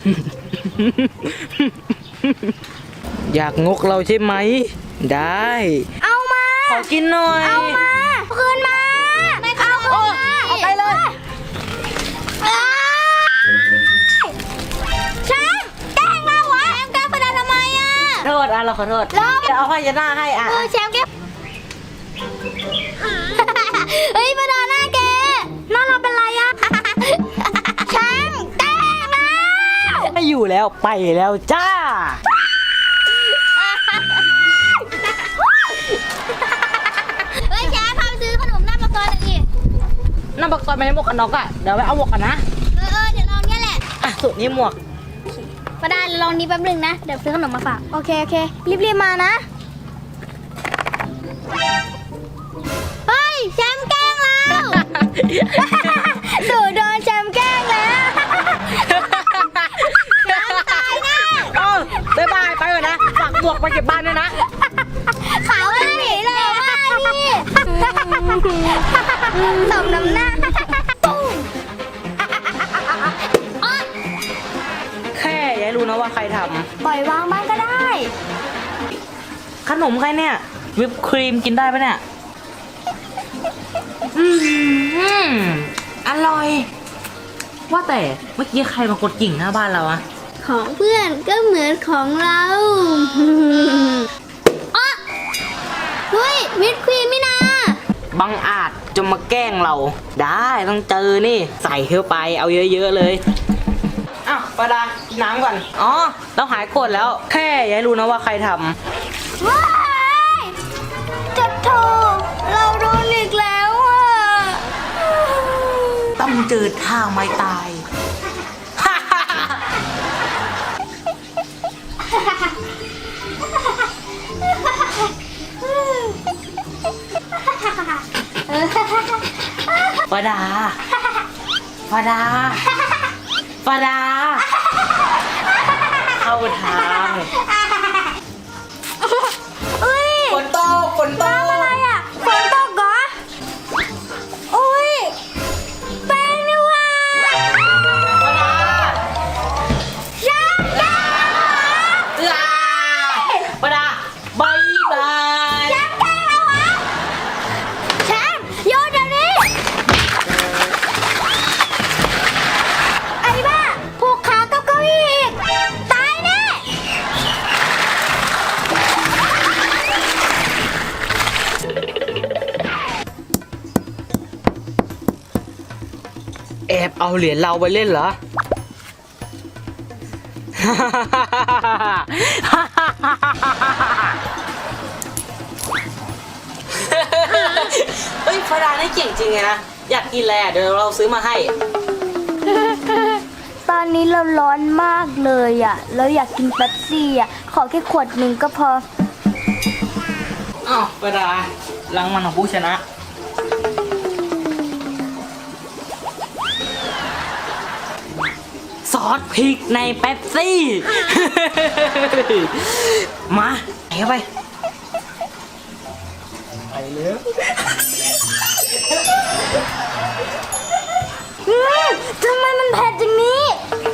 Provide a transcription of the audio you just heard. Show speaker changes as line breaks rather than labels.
อยากงกเราใช่ไหมได้
เอามา
ขอกินหน่อย
เอามาคืนมาไม่เอาคืนมา
เอาไปเลย
แชมป์แกล้งเราวะแชมป์แกล้งประดาทำไมอ่ะ
โทษเราขอโทษเดี๋ยวเอาผ้าเช็ดหน้าให้
แชมป์แกเฮ้ยประดาหน้าแกหน้าเราเป็นไรอ่ะแชมป์แกล้งเรา
ไม่อยู่แล้วไปแล้วจ้า
เฮ้ยแชมป์พาไปซื้อขนมหน้าปากซอยหน่อยดิ
หน้าปากซอยไม่ได้หมวกกันน็อกเดี๋ยวไปเอาหมวกกันนะ
เดี๋ยวลองเนี่ยแหละ
สุดนี้หมวก
ประดาลองนี้แป๊บนึงนะเดี๋ยวซื้อขนมมาฝากโอเครีบมานะเฮ้ยแชมป์แกล้งเราโดนแชมป์แกล้งแล้วแชมป์ตายแน่
บ๊ายบายไปก่อนนะฝากหมวกไปเก็บบ้านด้วยนะ
เขาไม่หนีเลยว่านี่สมน้ำหน้า
แค่ยายรู้นะว่าใครทำ
ปล่อยวางบ้างก็ได้
ขนมใครเนี่ยวิปครีมกินได้ปะเนี่ยอร่อยว่าแต่เมื่อกี้ใครมากดกิ่งหน้าบ้านเราอะ
ของเพื่อนก็เหมือนของเราเฮ้ยวิปครีมไม่นา
บังอาจจะมาแกล้งเราได้ต้องเจอนี่ใส่เข้าไปเอาเยอะๆเลยอ้าวปาดากินน้ำก่อนอ๋อเราหายโกรธแล้วแค่ยายรู้นะว่าใครทำ
ว้ายจัดโถเราโดนอีกแล้วอ่ะ
ต้องเจอทางไม่ตายปาดาเข้าทางฝนตก
อะไรอ่ะฝนตกเหรออุ้ยแป้งนี่ว่า
ปาดาบายบาย
แชมป์แกล้งเราวะแชมป์โยนเดี๋ยวนี้ไอ้บ้าผูกขากับเก้าอี้อีกตายแน่
แอบเอาเหรียญเราไปเล่นเหรอเฮ้ยฟาดานี่เก่งจริงไงนะอยากกินอะไรเดี๋ยวเราซื้อมาให้
ตอนนี้เราร้อนมากเลยอ่ะแล้วอยากกินเป๊ปซี่อ่ะขอแค่ขวดหนึ่งก็พอ
อ้าวฟาดารางวัลของผู้ชนะซอสพริกในเป๊ปซี่มาเข้าไปเลย
ทำไมมันเผ็ดอย่างนี้